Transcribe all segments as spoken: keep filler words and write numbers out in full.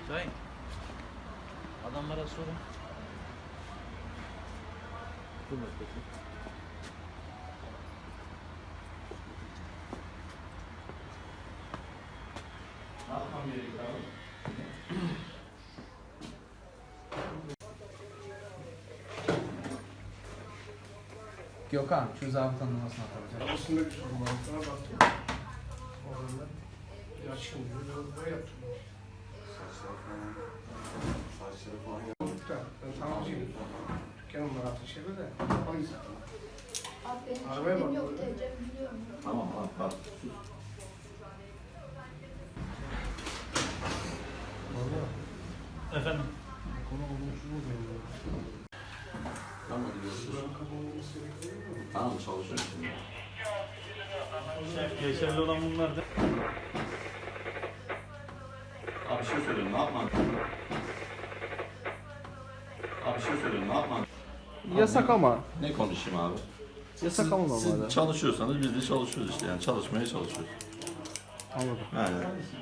Şahin. Adamlara sorun. Dur bakayım. Ne yapmam gerekiyor abi? Gökhan, şu zabıtanın numarasını atacağım. Arasında bir sorun var. Sana baktım. Orada bir açım diyor. Böyle yaptım. Saçları falan. Saçları falan Olduk da ben tamirciyim. Dükkanım var altı şeyde de. Hangisi? Abi benim Arabaya kimliğim bak. yok diyeceğim biliyorum. Tamam abi bak. Sus. Valla. Efendim. Konu olumsuz mu benim? Tamam hadi görüşürüz. Buranın kapanması gerekiyor mu? Tamam çalışıyorum şimdi. Şef geçerli olan bunlar da. Abi bir şey söyleyeyim ne yapman? Abi bir şey söyleyeyim ne yapman? Yasak ama. Ne konuşayım abi? Yasak ama Siz normalde. çalışıyorsanız biz de çalışıyoruz işte yani çalışmaya çalışıyoruz. Anladım. Yani.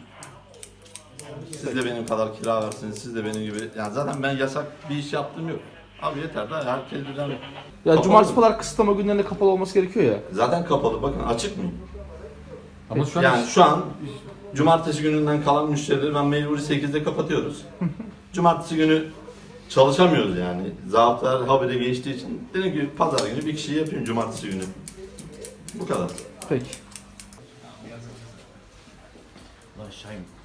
Siz de benim kadar kira versiniz, siz de benim gibi. Yani zaten ben yasak bir iş yaptığım yok. Abi yeter de herkes birden... Ya Kapalı cumartesi mı? pazar kısıtlama günlerinde kapalı olması gerekiyor ya. Zaten kapalı bakın açık mı? Ama şu an Yani şu an cumartesi gününden kalan müşterileri ben mecburi sekizde kapatıyoruz. Cumartesi günü çalışamıyoruz yani. Zabıtalar habire geçtiği için dedim ki pazar günü bir kişiyi yapayım cumartesi günü. Bu kadar. peki. Lan Şahin.